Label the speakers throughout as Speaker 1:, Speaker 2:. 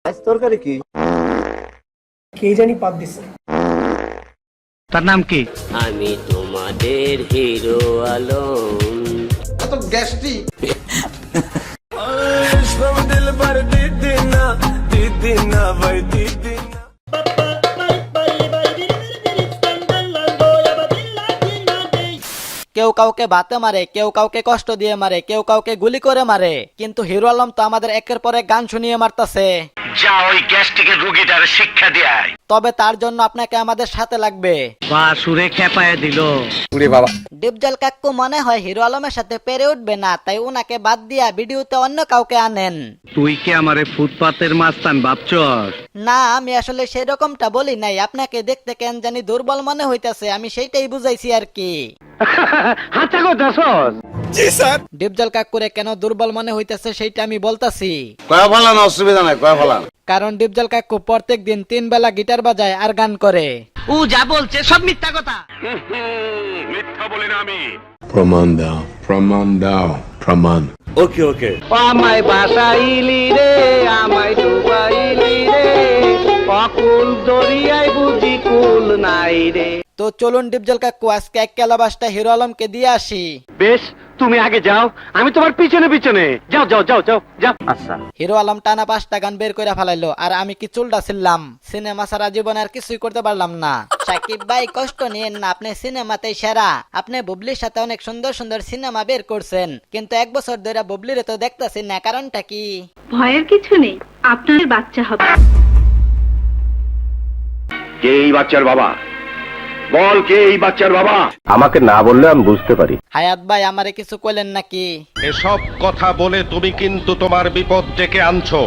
Speaker 1: আজ তরকারি কি
Speaker 2: কে জানি পাত দিছে।
Speaker 3: তার নাম কি?
Speaker 4: আমি তোমাদের হিরো আলম।
Speaker 5: এত গ্যাস্ট্রিক
Speaker 6: কেউ কাউকে বাতে মারে, কেউ কাউকে কষ্ট দিয়ে মারে, কেউ কাউকে গুলি করে মারে, কিন্তু হিরো আলম তো আমাদের একের পর এক গান শুনিয়ে মারতাছে।
Speaker 3: যা ওই গ্যাস্ট্রিকের রোগীটার শিক্ষা দেয়।
Speaker 6: তবে তার জন্য আপনাকে আমাদের সাথে লাগবে।
Speaker 3: বা সুরে খেপায় দিল।
Speaker 6: ডিপজল কাকু মনে হয় হিরো আলমের সাথে পেরে উঠবে না, তাই উনাকে বাদ দিয়া ভিডিওতে অন্য কাউকে আনেন।
Speaker 3: তুই কি আমারে ফুটপাতের মাস্তান ভাবছস?
Speaker 6: না, আমি আসলে সেই রকমটা বলি নাই। আপনাকে দেখতে কেন জানি দুর্বল মনে হইতাছে, আমি সেইটাই বুঝাইছি আর কি।
Speaker 3: হাঁচা করতেছস?
Speaker 6: ডিপজল কাকুরে কেন দুর্বল মনে হইতাছে সেইটা আমি বলতাছি।
Speaker 5: কয়া ফেলান, অসুবিধা নাই, কয়া ফেলান।
Speaker 6: কারণ ডিপজল কাকু প্রত্যেক দিন 3 বেলা গিটার বাজায় আর গান করে।
Speaker 3: ও যা বলছে সব মিথ্যা কথা।
Speaker 7: মিথ্যা বলি না আমি।
Speaker 8: প্রমাণ দাও, প্রমাণ দাও, প্রমাণ।
Speaker 7: ওকে ওকে।
Speaker 3: আমায় বাসাইলি রে, আমায় ডুবাইলি রে, অকুল দরিয়ায় বুঝি কুল নাই রে।
Speaker 6: তো চলুন ডিপজল কাকু আজকে এক ক্যালাবাসটা হিরো আলমকে দিয়ে আসি।
Speaker 3: বেশ, তুমি আগে যাও, আমি তোমার পিছনে পিছনে। যাও যাও যাও যাও যাও। আচ্ছা।
Speaker 6: হিরো আলম টানা 5টা গান বের করে ফেলাইলো, আর আমি কি চুলটা ছিলাম। সিনেমা সারা জীবন আর কিছুই করতে পারলাম না। সাকিব ভাই কষ্ট নিয়েন না, আপনি সিনেমাতেই সেরা। আপনি বুবলির সাথে অনেক সুন্দর সুন্দর সিনেমা বের করছেন, কিন্তু 1 বছর ধরে বুবলিরে তো দেখতাছি না, কারণটা কি?
Speaker 9: ভয়ের কিছু নেই, আপনার বাচ্চা হবে।
Speaker 7: কে এই বাচ্চার বাবা? বল, কে এই বাচ্চার বাবা?
Speaker 8: আমাকে না বললে আমি বুঝতে পারি।
Speaker 6: হায়াত ভাই আমারে কিছু কইলেন নাকি?
Speaker 7: এসব কথা বলে তুমি কিন্তু তোমার বিপদ ডেকে আনছো।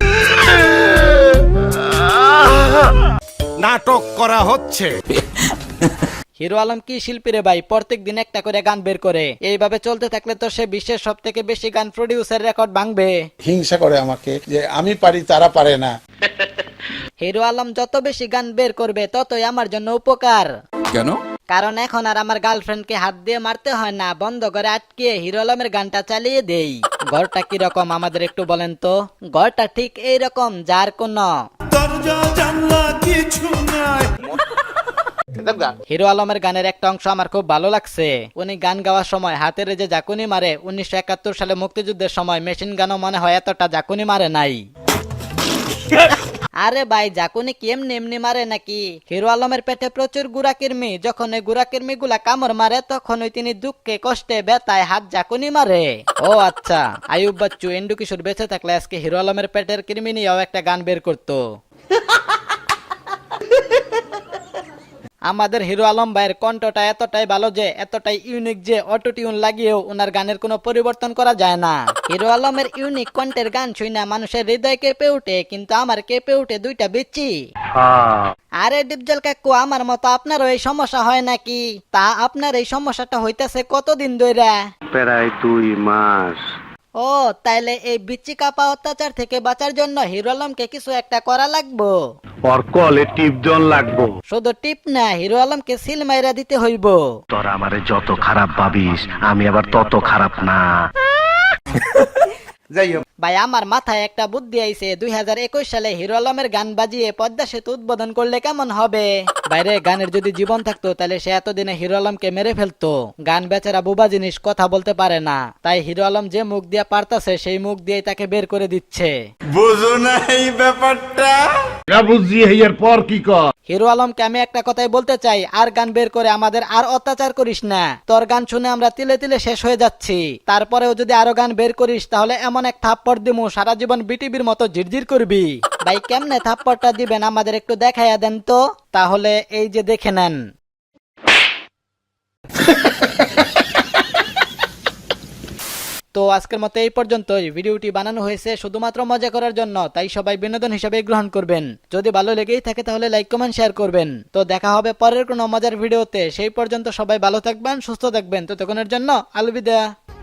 Speaker 7: নাটক করা হচ্ছে।
Speaker 6: হিরো আলম কি শিল্পী রে ভাই, প্রত্যেক দিন একটা করে গান বের করে। এইভাবে চলতে থাকলে তো সে বিশ্বের সব থেকে বেশি গান প্রডিউসার রেকর্ড ভাঙবে।
Speaker 5: হিংসা করে আমাকে যে আমি পারি তারা পারে না।
Speaker 6: হিরো আলম যত বেশি গান বের করবে ততই আমার জন্য উপকার।
Speaker 5: কেন?
Speaker 6: কারণ এখন আর আমার গার্লফ্রেন্ডকে হাত দিয়ে মারতে হয় না, বন্ধ করে আটকে হিরো আলমের গানটা চালিয়ে দেই। ঘরটা কি রকম আমাদের একটু বলেন তো? ঘরটা ঠিক এই রকম, যার কোনো হিরো আলমের গানের একটা অংশ আমার খুব ভালো লাগছে। উনি গান গাওয়ার সময় হাতের যে জাকুনি মারে, 1971 সালে মুক্তিযুদ্ধের সময় মেশিন গানও মনে হয় এতটা জাকুনি মারে নাই। আরে ভাই, জাকুনি কি এমনি এমনি মারে নাকি? হিরো আলমের পেটে প্রচুর গুড়াকির্মি, যখন ওই গুড়াকির্মি গুলা কামড় মারে তখন ওই তিনি দুঃখে কষ্টে ব্যথায় হাত জাকুনি মারে। ও আচ্ছা, আয়ুব বাচ্চু এন্ডু কিশোর বেঁচে থাকলে আজকে হিরো আলমের পেটের কৃমি নিয়েও একটা গান বের করতো। আমাদের হিরো আলম ভাইয়ের কণ্ঠটা এতটাই ভালো যে, এতটাই ইউনিক যে অটো টিউন লাগিয়েও ওনার গানের কোনো পরিবর্তন করা যায় না। হিরো আলমের ইউনিক কণ্ঠের গান শুনে মানুষের হৃদয় কেঁপে উঠে, কিন্তু আমার কেঁপে উঠে দুইটা বিচি। আরে ডিপজল কাকু, আমার মতো আপনারও এই সমস্যা হয় নাকি? তা আপনার এই সমস্যাটা হইতাছে কতদিন ধরে?
Speaker 3: প্রায় 2 মাস।
Speaker 6: ও, তাইলে এই বিচি কাপা অত্যাচার থেকে বাঁচার জন্য হিরো আলমকে কিছু একটা করা লাগবো।
Speaker 3: ওর কলে টিপজন লাগবো।
Speaker 6: শুধু টিপ না, হিরো আলমকে সিল মাইরা দিতে হইব।
Speaker 3: তোরা আমারে যত খারাপ ভাবিস, আমি আবার তত খারাপ না।
Speaker 5: যাই হোক,
Speaker 6: ভাই আমার মাথায় একটা বুদ্ধি আইছে, 2021 সালে হিরো আলমের গান বাজিয়ে পদ্মা সেতু উদ্বোধন করলে কেমন হবে? বাইরে গানের যদি জীবন থাকতো তাহলে সে এতদিনে হিরো আলমকে মেরে ফেলতো। গান বেচারা বুবা জিনিস, কথা বলতে পারে না, তাই হিরো আলম যে মুখ দিয়ে পারতাছে সেই মুখ দিয়ে তাকে বের করে দিচ্ছে।
Speaker 5: বুঝো না এই ব্যাপারটা?
Speaker 7: না বুঝি এর পর কি কর?
Speaker 6: হিরো আলমকে আমি একটা কথাই বলতে চাই, আর গান বের করে আমাদের আর অত্যাচার করিস না। তোর গান শুনে আমরা তিলে তিলে শেষ হয়ে যাচ্ছি, তারপরেও যদি আরো গান বের করিস তাহলে এমন এক থাপ্পড় দিমু সারা জীবন বিটিভির মতো ঝিরঝির করবি। ভাই কেমনে থাপ্পড়টা দিবেন আমাদের একটু দেখাইয়া দেন তো। তাহলে এই যে দেখে নেন। তো আজকের মতো এই পর্যন্তই। ভিডিওটি বানানো হয়েছে শুধুমাত্র মজা করার জন্য, তাই সবাই বিনোদন হিসেবে গ্রহণ করবেন। যদি ভালো লেগেই থাকে তাহলে লাইক কমেন্ট শেয়ার করবেন। তো দেখা হবে পরের কোনো মজার ভিডিওতে। সেই পর্যন্ত সবাই ভালো থাকবেন, সুস্থ থাকবেন। ততক্ষণের জন্য আলবিদা।